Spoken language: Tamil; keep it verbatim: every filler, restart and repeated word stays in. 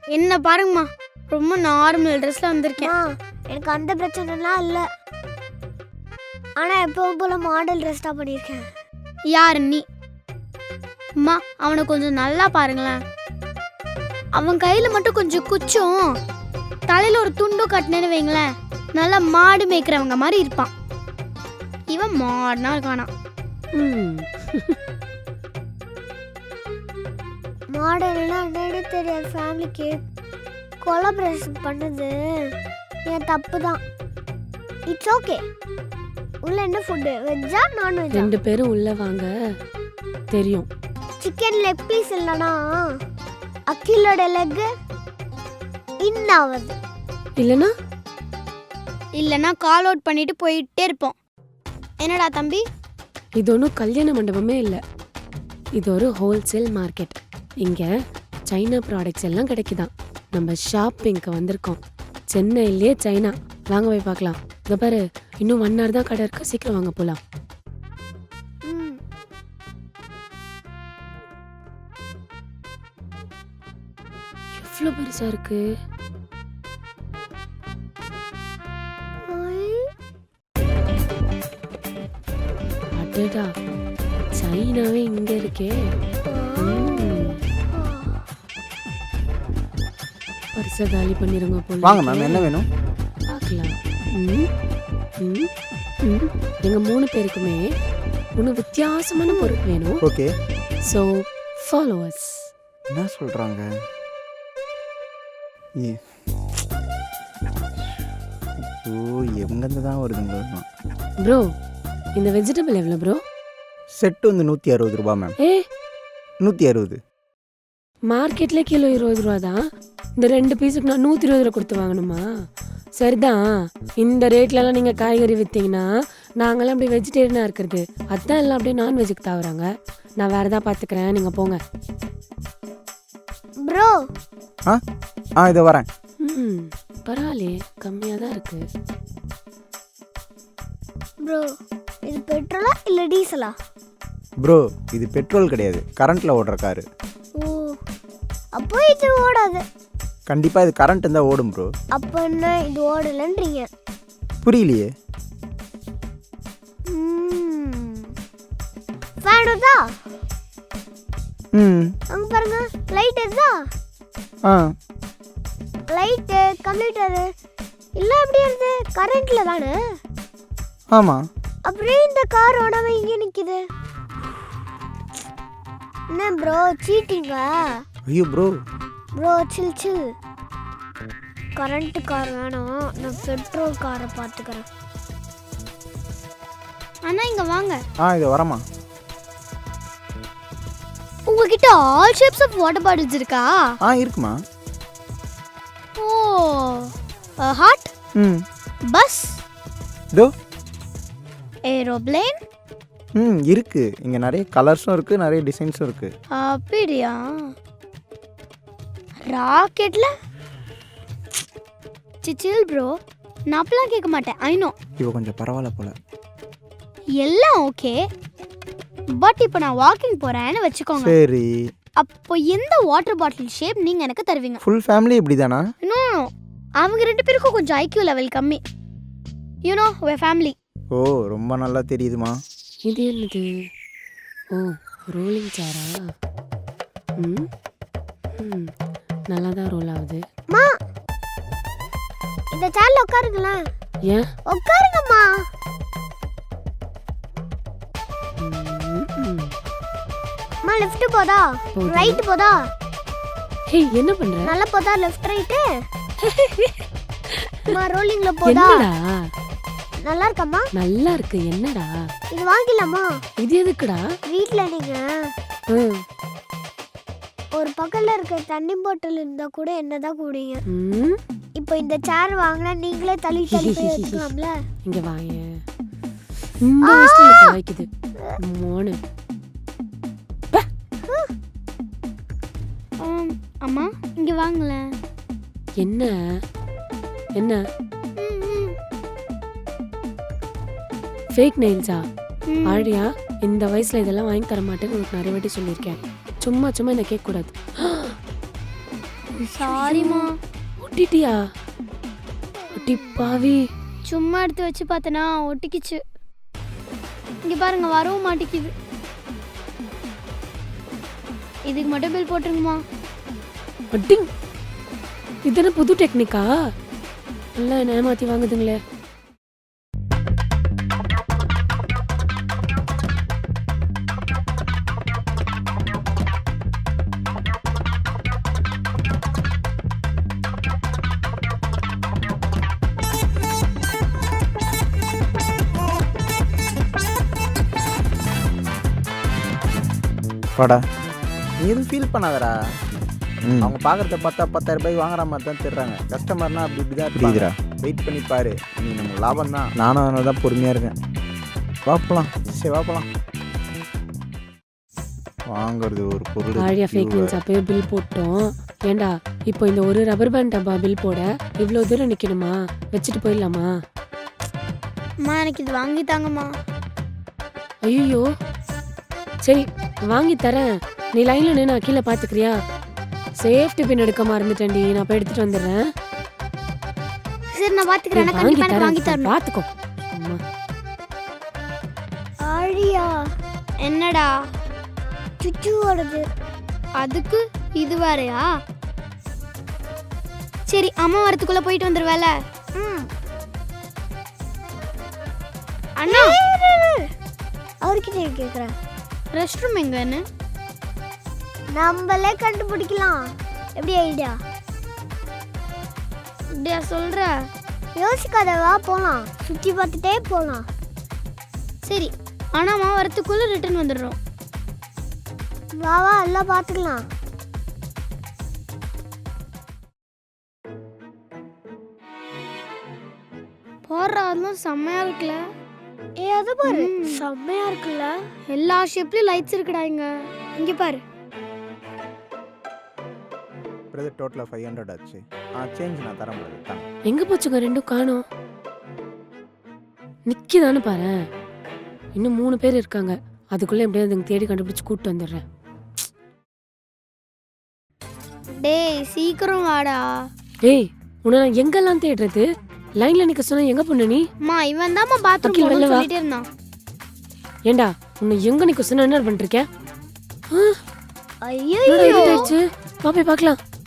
என்ன பாருங்கம்மா, ரொம்ப நார்மல் ட்ரெஸ்ல வந்திருக்கேன். எனக்கு அந்த பிரச்சனைலாம் இல்லை, ஆனால் எப்பவும் போல மாடல் ட்ரெஸ் தான் பண்ணியிருக்கேன். யார் நீ? அம்மா அவனை கொஞ்சம் நல்லா பாருங்களேன். அவன் கையில் மட்டும் கொஞ்சம் குச்சும் தலையில் ஒரு துண்டும் கட்டினேன்னு வைங்களேன், நல்லா மாடு மேய்க்கிறவங்க மாதிரி இருப்பான். இவன் மாடுனா இருக்கானா? மாடல்லாம் என்னன்னு தெரியாது ஃபேமிலிக்கு. கொலாபரேஷன் பண்ணது என் தப்பு தான். It's okay. உள்ள என்ன ஃபுட்டு, வெஜ்ஜா நான்வெஜ்ஜா? ரெண்டு பேரும் உள்ள வாங்க, தெரியும். சிக்கன் லெக் பீஸ் இல்லைனா அக்கிலோட லெக் இன்னாவது, இல்லைன்னா இல்லைன்னா கால் அவுட் பண்ணிட்டு போயிட்டே இருப்போம். என்னடா தம்பி? இது ஒன்றும் கல்யாண மண்டபமே இல்லை, இது ஒரு ஹோல்சேல் மார்க்கெட். இங்கே சைனா ப்ராடக்ட்ஸ் எல்லாம் கிடைக்குதான். நம்ம ஷாப்பிங்க்கு வந்திருக்கோம். சென்னையிலே சைனா. வாங்க போய் பார்க்கலாம். இதை பாரு, இன்னும் ஒன் ஹவர் தான் கடை இருக்கு, சீக்கிரம் வாங்க போகலாம். எவ்வளோ பெருசா இருக்கு. அடடா, சைனாவே இங்க இருக்கே. பரிசை காலி பண்ணிருங்க போல. வாங்க மேம், என்ன வேணும்? பார்க்கலாம். ம், ம், ம். எங்க மூணு பேருக்குமே ஒன்று வித்தியாசமான பொருள் வேணும். ஓகே. So followers. என்ன சொல்றாங்க? ஏ ஓ, எங்கேருந்து தான் வருதுங்க? ப்ரோ, இந்த வெஜிடபிள் எவ்வளோ ப்ரோ? செட்டு வந்து நூற்றி அறுபது ரூபா மேம். ஏ, நூற்றி அறுபது. மார்க்கெட்ல கிலோ இருபது ரூபா தான். இந்த ரெண்டு பீஸுக்கு நான் நூற்றி இருபது ரூபா கொடுத்து வாங்கணுமா? சரிதான். இந்த ரேட்லலாம் நீங்கள் காய்கறி விற்றீங்கன்னா நாங்களாம் அப்படி வெஜிடேரியனாக இருக்கிறது. அதுதான் எல்லாம் அப்படியே நான்வெஜ்ஜுக்கு தாவுறாங்க. நான் வேறு தான் பார்த்துக்கிறேன், நீங்கள் போங்க. ப்ரோ. ஆ ஆ இதை வரேன். ம், பரவாயில்லையே, கம்மியாக தான் இருக்கு. ப்ரோ, இது பெட்ரோலா இல்லை டீசலா? ப்ரோ, இது பெட்ரோல் கிடையாது, கரண்ட்டில் ஓடுற காரு. ஓ, அப்போ இது ஓடாது. கண்டிப்பாக இது கரண்ட் இருந்தால் ஓடும் ப்ரோ. அப்போ என்ன இது ஓடலைன்றீங்க? புரியலையே. ஃபேன் வருதா? ம், அங்கே பாருங்க, லைட் வருதா? ஆ, லைட்டு கம்ப்யூட்டரு எல்லாம் எப்படி வருது? கரண்ட்ல தானே. ஆமாம். அப்படியே இந்த கார் ஓடாம இங்கே நிற்குது. என்ன ப்ரோ, சீட்டிங்கா? ஐயோ bro. Bro chill chill. Current car வேணாம், நான் பெட்ரோல் காரை பார்த்துக்கிறேன். அண்ணா இங்க வாங்க. ஆ இதை வரமா. உங்ககிட்ட all shapes of water bottles இருக்கா? ஆ இருக்குமா. ஓ, ஹாட், ம், பஸ், இதோ. ஏரோப்ளேன். ம் இருக்கு. இங்கே நிறைய கலர்ஸும் இருக்குது, நிறைய டிசைன்ஸும் இருக்குது. அப்படியா? ராக்கெட்ல? சிச்சில் ப்ரோ, நான் அப்பெல்லாம் கேட்க மாட்டேன். I know. இப்போ கொஞ்சம் பரவாயில்ல போல. எல்லாம் ஓகே, பட் இப்போ நான் வாக்கிங் போறேன்னு வச்சுக்கோங்க. சரி. அப்போ எந்த வாட்டர் பாட்டில் ஷேப் நீங்க எனக்கு தருவீங்க? ஃபுல் ஃபேமிலி இப்படி தானா? நோ, அவங்க ரெண்டு பேருக்கும் கொஞ்சம் ஐக்யூ லெவல் கம்மி. You know way family. ஓ, ரொம்ப நல்லா தெரியுதுமா. இது என்னது? ஓ, ரோலிங் சேரா? ம், ம், நல்லா தான் ரோல் ஆகுது. மா, இந்த சேர்ல உட்காருங்களேன். ஏன்? உட்காருங்கம்மா. மா, லெஃப்ட் போதா போகுது. ரைட் போதா? ஹே, என்ன பண்ற? நல்லா போதா லெஃப்ட் ரைட்? மா, ரோலிங்ல போதா? என்னடா? நல்லா இருக்கம்மா. நல்லா இருக்கு. என்னடா இது வாங்கிடலாமா? இது எதுக்குடா? வீட்ல நீங்க ம், ஒரு பக்கத்துல இருக்க தண்ணி பாட்டில் இருந்தா கூட என்னதான் கூடிங்க. ம், இப்போ இந்த சேர் வாங்கினா நீங்களே தள்ளி தள்ளி போய் எடுத்துக்கலாம்ல. இங்க வாங்க. இந்த வயசுல காய்க்குது மோனு. ஆம், அம்மா இங்க வாங்களேன். என்ன என்ன ஃபேக் நெயில்ஸா? ஆழியா, இந்த வயசுல இதெல்லாம் வாங்கி தர மாட்டேன்னு உனக்கு நிறைய வாட்டி சொல்லியிருக்கேன். சும்மா சும்மா இந்த கேட்க கூடாது. சாரிம்மா. ஒட்டிட்டியா? ஒட்டி பாவி. சும்மா எடுத்து வச்சு பார்த்தனா ஒட்டிக்கிச்சு. இங்க பாருங்க, வரவும் மாட்டேங்குது. இதுக்கு மட்டும் பில் போட்டுருங்கம்மா. அட்டிங். இதென்ன புது டெக்னிக்கா? எல்லாம் என்ன ஏமாத்தி வாங்குதுங்களே. வாடா, நீ எதுவும் ஃபீல் பண்ணாதடா. ம். அவங்க பார்க்குறத பார்த்தா பத்தாயிரம் ரூபாய் வாங்குற மாதிரி தான் தெரிறாங்க. கஸ்டமர்னா அப்படி இப்படி தான் தெரியுதுடா. வெயிட் பண்ணி பாரு, நீ நமக்கு லாபம் தான். நானும் அதனால தான் பொறுமையாக இருக்கேன். வா போலாம். சரி வா போலாம். வாங்குறது ஒரு பொருள். ஆழியா ஃபேக் மீன்ஸ் அப்பயே பில் போட்டோம். ஏண்டா இப்போ இந்த ஒரு ரப்பர் பேண்ட் டப்பா பில் போட இவ்வளோ தூரம் நிற்கணுமா? வச்சுட்டு போயிடலாமா? அம்மா எனக்கு இது வாங்கி தாங்கம்மா. ஐயோ சரி வாங்கி தரேன். நீ லைன்ல நின்று நான் கீழே பார்த்துக்கிறியா? சேஃப்டி பின் எடுக்க மறந்துட்டேன்டி. நான் போய் எடுத்துட்டு வந்துடுறேன். சரி நான் பாத்துக்கிறேன். வாங்கி கண்டிப்பா எனக்கு வாங்கி தரேன், தரணும். பார்த்துக்கோ. அம்மா ஆழியா என்னடா சுச்சுவோடது. அதுக்கு இது வேறயா? சரி அம்மா வரதுக்குள்ள போயிட்டு வந்துருவேல. ம். அண்ணா அவர்கிட்ட கேக்குறேன். ரெஸ்ட் ரூம் எங்கன்னு? நம்மளே கண்டுபிடிக்கலாம். எப்படி ஐடியா? இப்படியா சொல்ற? யோசிக்காத, வா போலாம். சுத்தி பார்த்துட்டே போலாம். சரி ஆனா அம்மா வரதுக்குள்ள ரிட்டர்ன் வந்துடுறோம். வா வா எல்லாம் பார்த்துக்கலாம். போடுற அதெல்லாம் செம்மையா இருக்குல்ல. ஏ அது பாரு, ம். செம்மையா இருக்குல்ல. எல்லா ஷேப்லயும் லைட்ஸ் இருக்குடா இங்க. இங்க பாரு. பிரதர் டோட்டலாக ஃபைவ் ஹண்ட்ரட் ஆச்சு. ஆ சேஞ்ச் நான் தர முடியாது தாங்க. எங்க போச்சுங்க ரெண்டும் காணோம். நிக்கிதானு பாரு. இன்னும் மூணு பேர் இருக்காங்க. அதுக்குள்ள எப்படியாவது அதுங்க தேடி கண்டுபிடிச்சு கூப்பிட்டு வந்துடுறேன். டேய் சீக்கிரம் வாடா. ஏய் உன்னை நான் எங்கெல்லாம் தேடுறது? லைன்ல நிக்க சொன்னா எங்க பொண்ணு நீ? அம்மா இவன் தான்மா பாத்ரூம் அகில், வெளில போகணும்னு வா. சொல்லிட்டே இருந்தான். ஏண்டா உன்னை எங்க நிக்க சொன்னா என்ன பண்ணிட்டு இருக்க? ஐயோ என்னடா இருட்டாயிடுச்சு? வா போய் பார்க்கலாம்.